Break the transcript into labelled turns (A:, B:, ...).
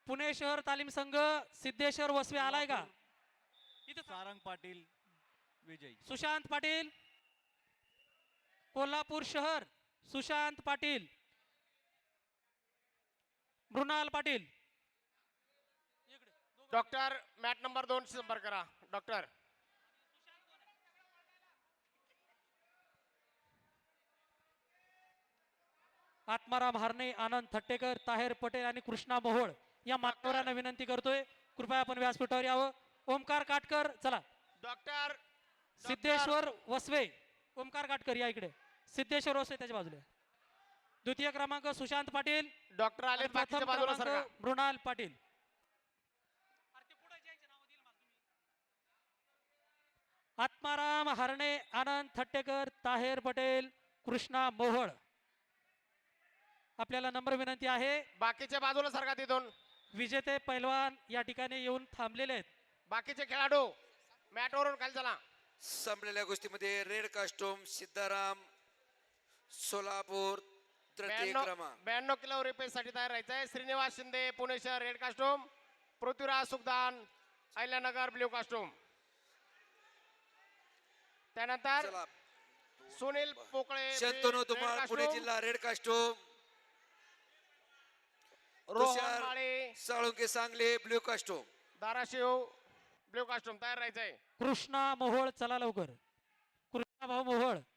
A: पुणे शहर तालीम संघ सिद्धेश्वर वसवे आलाय का? इथं
B: सारंग पाटील विजयी.
A: सुशांत पाटील. कोल्हापूर शहर Sushant Patil. Mrinal Patil.
C: Doctor mat number 2 संपर्क करा. डॉक्टर
A: आत्माराम हारणे, आनंद थट्टेकर, ताहेर पटेल आणि कृष्णा मोहोळ या मान्यवरांना विनंती करतोय, कृपया आपण व्यासपीठावर यावं. ओमकार काटकर चला.
C: डॉक्टर
A: सिद्धेश्वर वसवे. ओमकार काटकर या इकडे. सिद्धेश्वर वसवे त्याच्या बाजूला. द्वितीय क्रमांक सुशांत पाटील.
C: डॉक्टर आले
A: आणि प्रथम
C: बाकीच्या बाजूला सरका.
A: क्रमांक मृणाल पाटील. आत्माराम हारणे, आनंद थट्टेकर, ताहेर पटेल, कृष्णा मोहोळ आपल्याला नम्र विनंती आहे.
C: बाकीच्या बाजूला सरका तिथून.
A: विजेते पैलवान या ठिकाणी येऊन थांबलेले आहेत.
C: बाकीचे खेळाडू मॅटवरून खाली चला.
D: संपलेल्या गोष्टीमध्ये रेड कास्टूम सिद्धाराम सोलापूर तृतीय क्रमांक.
C: 92 किलो रुपयेसाठी तयार राहायचं आहे. श्रीनिवास शिंदे पुणे शहर red costume. Prithviraj Sukhdan Ahilyanagar blue costume. त्यानंतर
D: चला
C: सुनील पोकळे
D: शंतनू
C: रेड
D: धुमाळ पुणे
C: कास्टूम.
D: जिल्हा red costume.
C: Rohan
D: Tushar
C: Male
D: Salunke Sangli blue costume.
C: Dharashiv blue costume तयार राहायचंय.
A: कृष्णा मोहोळ चला लवकर. कृष्णा भाऊ मोहोळ